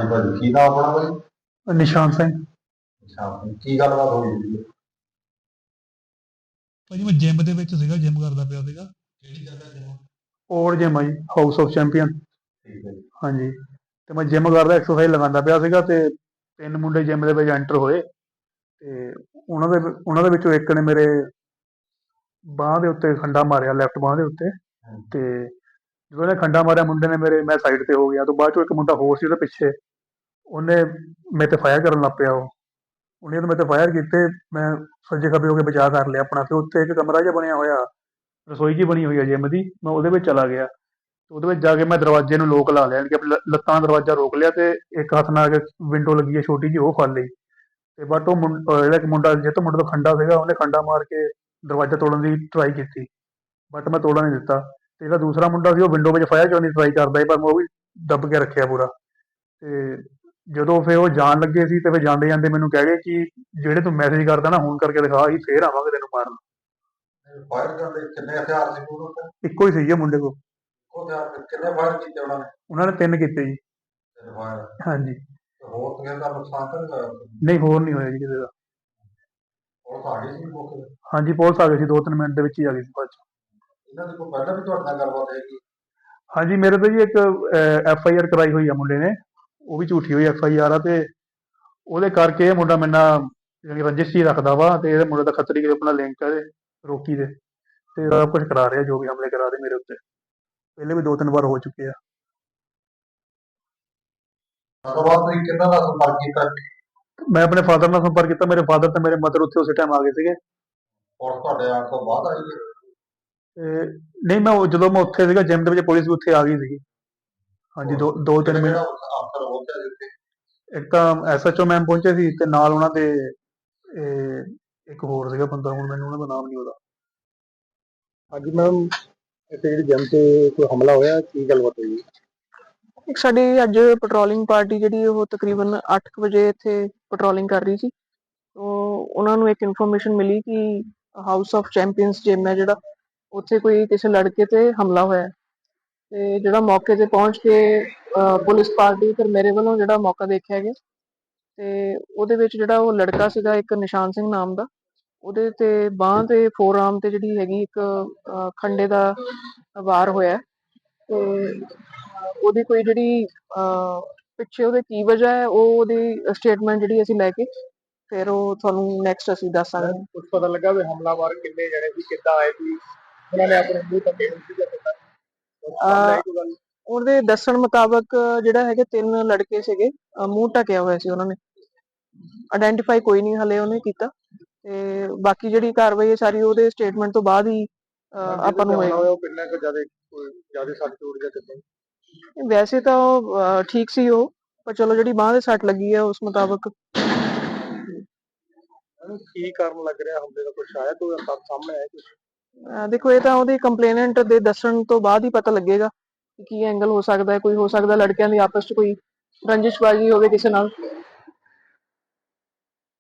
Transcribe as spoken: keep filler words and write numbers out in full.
ਭਾਜੀ ਕੀ ਨਾਮ ਆਪਣਾ ਭਾਜੀ? ਨਿਸ਼ਾਨ ਸਿੰਘ। ਅੱਛਾ, ਕੀ ਗੱਲਬਾਤ ਹੋਈ ਸੀ? ਭਾਜੀ ਮੈਂ ਜਿਮ ਦੇ ਵਿੱਚ ਸੀਗਾ, ਜਿਮ ਕਰਦਾ ਪਿਆ ਸੀਗਾ। ਕਿਹੜੀ ਜਗ੍ਹਾ ਜਿਮ? ਔਰ ਜਿਮ ਆ ਜੀ, ਹਾਊਸ ਆਫ ਚੈਂਪੀਅਨ। ਠੀਕ ਹੈ ਜੀ। ਹਾਂਜੀ, ਤੇ ਮੈਂ ਜਿਮ ਕਰਦਾ, ਐਕਸਰਸਾਈਜ਼ ਲਗਾਉਂਦਾ ਪਿਆ ਸੀਗਾ ਤੇ ਤਿੰਨ ਮੁੰਡੇ ਜਿਮ ਦੇ ਵਿੱਚ ਐਂਟਰ ਹੋਏ ਤੇ ਉਹਨਾਂ ਦੇ ਉਹਨਾਂ ਦੇ ਵਿੱਚੋਂ ਇੱਕ ਨੇ ਮੇਰੇ ਬਾਂਹ ਦੇ ਉੱਤੇ ਖੰਡਾ ਮਾਰਿਆ, ਲੈਫਟ ਬਾਂਹ ਦੇ ਉੱਤੇ। ਤੇ ਜਦੋਂ ਇਹਨੇ ਖੰਡਾ ਮਾਰਿਆ ਮੁੰਡੇ ਨੇ ਮੇਰੇ, ਮੈਂ ਸਾਈਡ ਤੇ ਹੋ ਗਿਆ। ਤੋਂ ਬਾਅਦ ਚੋਂ ਇੱਕ ਮੁੰਡਾ ਹੋਰ ਸੀ ਉਹਦੇ ਪਿੱਛੇ, ਉਹਨੇ ਮੇਰੇ ਤੇ ਫਾਇਰ ਕਰਨ ਲੱਗ ਪਿਆ। ਉਹ ਉਹਨੇ ਤਾਂ ਮੇਰੇ ਤੇ ਫਾਇਰ ਕੀਤੇ, ਮੈਂ ਸੱਜੇ ਖੱਬੇ ਹੋ ਕੇ ਬਚਾਅ ਕਰ ਲਿਆ ਆਪਣਾ। ਫਿਰ ਉੱਥੇ ਇੱਕ ਕਮਰਾ ਜਿਹਾ ਬਣਿਆ ਹੋਇਆ, ਰਸੋਈ ਜਿਹੀ ਬਣੀ ਹੋਈ ਹੈ ਜਿਮ ਦੀ, ਮੈਂ ਉਹਦੇ ਵਿੱਚ ਚਲਾ ਗਿਆ। ਉਹਦੇ ਵਿੱਚ ਜਾ ਕੇ ਮੈਂ ਦਰਵਾਜ਼ੇ ਨੂੰ ਲੋਕ ਲਾ ਲਿਆ, ਕਿ ਆਪਣੀ ਲ- ਲੱਤਾਂ ਨਾਲ ਦਰਵਾਜ਼ਾ ਰੋਕ ਲਿਆ ਤੇ ਇੱਕ ਹੱਥ ਨਾਲ ਕੇ ਵਿੰਡੋ ਲੱਗੀ ਹੈ ਛੋਟੀ ਜਿਹੀ, ਉਹ ਫੜ ਲਈ। ਤੇ ਬਟ ਉਹ ਮੁੰ- ਅਹ ਜਿਹੜਾ ਇੱਕ ਮੁੰਡਾ, ਜਿਹ ਤੋਂ ਮੁੰਡੇ ਤੋਂ ਖੰਡਾ ਸੀਗਾ, ਉਹਨੇ ਖੰਡਾ ਮਾਰ ਕੇ ਦਰਵਾਜ਼ਾ ਤੋੜਨ ਦੀ ਟਰਾਈ ਕੀਤੀ, ਬਟ ਮੈਂ ਤੋੜਨ ਨਹੀਂ ਦਿੱਤਾ। ਤੇ ਜਿਹੜਾ ਦੂਸਰਾ ਮੁੰਡਾ ਸੀ, ਉਹ ਵਿੰਡੋ ਵਿੱਚ ਫਾਇਰ ਕਰਨ ਦੀ ਟਰਾਈ ਕਰਦਾ ਸੀ, ਪਰ ਮੈਂ ਉਹ ਵੀ ਦੱਬ ਕੇ ਰੱਖਿਆ ਪੂਰਾ। ਤੇ ਜਦੋਂ ਫਿਰ ਉਹ ਜਾਣ ਲੱਗੇ ਸੀ, ਤੇ ਫਿਰ ਜਾਂਦੇ ਜਾਂਦੇ ਮੈਨੂੰ ਕਹਿ ਗਏ ਕਿ ਜਿਹੜੇ ਤੂੰ ਮੈਸੇਜ ਕਰਦਾ ਨਾ, ਹੁਣ ਕਰਕੇ ਦਿਖਾ, ਅਸੀਂ ਫੇਰ ਆਵਾਂਗੇ ਤੈਨੂੰ ਮਾਰਨ। ਫਾਇਰ ਕਰਦੇ ਕਿੰਨੇ ਹਥਿਆਰ ਸੀ ਉਹਨਾਂ ਕੋਲ? ਇੱਕੋ ਹੀ ਸੀ ਮੁੰਡੇ ਕੋਲ। ਇੱਕੋ ਹਥਿਆਰ ਤੇ ਕਿੰਨੇ ਫਾਇਰ ਕੀਤੇ ਉਹਨਾਂ ਨੇ? ਉਹਨਾਂ ਨੇ ਤਿੰਨ ਕੀਤੇ ਜੀ। ਤਿੰਨ ਫਾਇਰ। ਹਾਂਜੀ। ਤੇ ਹੋਰ ਕਿਸੇ ਦਾ ਨੁਕਸਾਨ ਤਾਂ ਨਹੀਂ ਹੋਇਆ? ਨਹੀਂ, ਹੋਰ ਨਹੀਂ ਹੋਇਆ ਜੀ ਕਿਸੇ ਦਾ। ਪੁਲਿਸ ਆ ਗਈ ਸੀ ਮੌਕੇ ਤੇ? ਹਾਂਜੀ, ਪੁਲਿਸ ਆ ਗਈ ਸੀ, ਦੋ ਤਿੰਨ ਮਿੰਟ ਦੇ ਵਿੱਚ ਹੀ ਆ ਗਈ ਸੀ ਬਾਅਦ 'ਚ। ਇਹਨਾਂ ਦੀ ਕੋਈ ਪਹਿਲਾਂ ਵੀ ਤੁਹਾਡੇ ਨਾਲ ਗੱਲਬਾਤ ਹੈਗੀ? ਹਾਂਜੀ, ਮੇਰੇ ਤੇ ਜੀ ਇੱਕ ਐਫ ਆਈ ਆਰ ਕਰਾਈ ਹੋਈ ਆ ਮੁੰਡੇ ਨੇ, ਉਹ ਵੀ ਝੂਠੀ ਹੋਈ ਐਫ ਆਈ ਆਰ ਆ। ਤੇ ਉਹਦੇ ਕਰਕੇ ਇਹ ਮੁੰਡਾ ਮੇਰੇ ਨਾਲ ਜਾਣੀ ਰੰਜਿਸ਼ ਹੀ ਰੱਖਦਾ ਵਾ। ਤੇ ਇਹਦੇ ਮੁੰਡੇ ਦਾ ਖੱਤਰੀ ਕੇ ਆਪਣਾ ਲਿੰਕ ਹੈ ਰੋਕੀ ਦੇ, ਤੇ ਸਭ ਕੁਝ ਕਰਾ ਰਿਹਾ, ਜੋ ਵੀ ਹਮਲੇ ਕਰਾ ਰਹੇ ਮੇਰੇ ਉੱਤੇ। ਪਹਿਲੇ ਵੀ ਦੋ ਤਿੰਨ ਵਾਰ ਹੋ ਚੁੱਕੇ ਆ। ਉਸ ਤੋਂ ਬਾਅਦ ਤੁਸੀਂ ਕਿਹਨਾਂ ਨਾਲ ਸੰਪਰਕ ਕੀਤਾ? ਮੈਂ ਆਪਣੇ ਫਾਦਰ ਨਾਲ ਸੰਪਰਕ ਕੀਤਾ, ਮੇਰੇ ਫਾਦਰ ਤੇ ਮੇਰੇ ਮਦਰ ਉੱਥੇ ਉਸੇ ਟਾਈਮ ਆ ਗਏ ਸੀਗੇ। ਪੁਲਿਸ ਤੁਹਾਡੇ ਆਉਣ ਤੋਂ ਬਾਅਦ ਆਈ ਹੈ? ਤੇ ਨਹੀਂ, ਮੈਂ ਉਹ- ਜਦੋਂ ਮੈਂ ਉੱਥੇ ਸੀਗਾ ਜਿਮ ਦੇ ਵਿੱਚ, ਪੁਲਿਸ ਵੀ ਉੱਥੇ ਆ ਗਈ ਸੀਗੀ। ਹਾਂਜੀ, ਦੋ ਦੋ ਤਿੰਨ ਮਿੰਟ। ਜਿਹੜਾ ਅਫਸਰ ਪਹੁੰਚਿਆ ਜਿੱਥੇ? ਇੱਕ ਤਾਂ ਐਸ ਐਚ ਓ ਮੈਮ ਪਹੁੰਚੇ ਸੀ, ਤੇ ਨਾਲ ਉਹਨਾਂ ਦੇ ਇਹ ਇੱਕ ਹੋਰ ਸੀਗਾ ਬੰਦਾ, ਹੁਣ ਮੈਨੂੰ ਉਹਨਾਂ ਦਾ ਨਾਮ ਨਹੀਂ ਉਹਦਾ। ਹਾਂਜੀ ਮੈਮ, ਇੱਥੇ ਜਿਹੜੀ ਜਿਮ ਤੇ ਕੋਈ ਹਮਲਾ ਹੋਇਆ, ਕੀ ਗੱਲਬਾਤ ਹੋਈ? ਇੱਕ ਸਾਡੀ ਅੱਜ ਪੈਟਰੋਲਿੰਗ ਪਾਰਟੀ ਜਿਹੜੀ ਉਹ ਤਕਰੀਬਨ ਅੱਠ ਕੁ ਵਜੇ ਇੱਥੇ ਪੈਟਰੋਲਿੰਗ ਕਰ ਰਹੀ ਸੀ। ਤੋਂ ਉਹਨਾਂ ਨੂੰ ਇੱਕ ਇਨਫੋਰਮੇਸ਼ਨ ਮਿਲੀ ਕਿ ਹਾਊਸ ਆਫ ਚੈਂਪੀਅਨਸ ਜਿਮ ਹੈ ਜਿਹੜਾ, ਉੱਥੇ ਕੋਈ ਕਿਸੇ ਲੜਕੇ ਤੇ ਹਮਲਾ ਹੋਇਆ। ਤੇ ਜਿਹੜਾ ਮੌਕੇ ਤੇ ਪਹੁੰਚ ਕੇ ਅਹ, ਪੁਲਿਸ ਪਾਰਟੀ ਫਿਰ ਮੇਰੇ ਵੱਲੋਂ ਜਿਹੜਾ ਮੌਕਾ ਦੇਖਿਆ ਗਿਆ, ਤੇ ਉਹਦੇ ਵਿੱਚ ਜਿਹੜਾ ਉਹ ਲੜਕਾ ਸੀਗਾ ਇੱਕ ਨਿਸ਼ਾਨ ਸਿੰਘ ਨਾਮ ਦਾ, ਉਹਦੇ ਤੇ ਬਾਂਹ ਤੇ ਫੋਰ ਆਰਮ ਤੇ ਜਿਹੜੀ ਹੈਗੀ ਇੱਕ ਅਹ, ਖੰਡੇ ਦਾ ਵਾਰ ਹੋਇਆ। ਤੇ ਉਹਦੀ ਕੋਈ ਜਿਹੜੀ ਅਹ, ਪਿੱਛੇ ਉਹਦੇ ਕੀ ਵਜ੍ਹਾ ਹੈ, ਉਹ ਉਹਦੀ ਸਟੇਟਮੈਂਟ ਜਿਹੜੀ ਅਸੀਂ ਲੈ ਕੇ ਫਿਰ ਉਹ ਤੁਹਾਨੂੰ ਨੈਕਸਟ ਅਸੀਂ ਦੱਸਾਂਗੇ। ਕੁਝ ਪਤਾ ਲੱਗਾ ਵੀ ਹਮਲਾਵਰ ਕਿੰਨੇ ਜਣੇ ਸੀ, ਕਿੱਦਾਂ ਆਏ ਸੀ, ਉਹਨਾਂ ਨੇ ਆਪਣੇ ਮੂੰਹ ਧੱਕੇ ਨਹੀਂ ਸੀ ਦਿੱਤਾ? ਉਹਦੇ ਦੱਸਣ ਮੁਤਾਬਕ ਜਿਹੜਾ ਹੈਗੇ ਤਿੰਨ ਲੜਕੇ ਸੀਗੇ, ਅਹ, ਮੂੰਹ ਢਕਿਆ ਹੋਇਆ ਸੀ ਉਹਨਾਂ ਨੇ। ਆਇਡੈਂਟੀਫਾਈ ਕੋਈ ਨਹੀਂ ਹਲੇ ਉਹਨੇ ਕੀਤਾ, ਤੇ ਬਾਕੀ ਜਿਹੜੀ ਕਾਰਵਾਈ ਹੈ ਸਾਰੀ ਉਹਦੇ ਸਟੇਟਮੈਂਟ ਤੋਂ ਬਾਅਦ ਹੀ ਅਹ, ਆਪਾਂ ਨੂੰ ਹੋਏਗਾ। ਉਹ ਕਿੰਨਾ ਕੁ ਜ਼ਿਆਦਾ ਜ਼ਿਆਦਾ ਸੱਟ ਚੋਟ ਜਾਂ ਕਿੱਦਾਂ? ਵੈਸੇ ਤਾਂ ਉਹ ਅਹ, ਠੀਕ ਸੀ ਉਹ, ਪਰ ਚਲੋ ਜਿਹੜੀ ਬਾਂਹ ਦੇ ਸੱਟ ਲੱਗੀ ਹੈ ਉਸ ਮੁਤਾਬਕ। ਇਹਨੂੰ ਕੀ ਕਾਰਨ ਲੱਗ ਰਿਹਾ ਹਮਲੇ ਦਾ, ਕੁਛ ਆਇਆ ਕੋਈ ਸਭ ਸਾਹਮਣੇ ਆਇਆ ਕੁਛ? ਅਹ, ਦੇਖੋ ਇਹ ਤਾਂ ਉਹਦੀ ਕੰਪਲੇਨੈਂਟ ਦੇ ਦੱਸਣ ਤੋਂ ਬਾਅਦ ਹੀ ਪਤਾ ਲੱਗੇਗਾ ਕਿ ਕੀ ਐਂਗਲ ਹੋ ਸਕਦਾ ਹੈ। ਕੋਈ ਹੋ ਸਕਦਾ ਲੜਕਿਆਂ ਦੀ ਆਪਸ 'ਚ ਕੋਈ ਰੰਜਿਸ਼ਬਾਜ਼ੀ ਹੋਵੇ ਕਿਸੇ ਨਾਲ,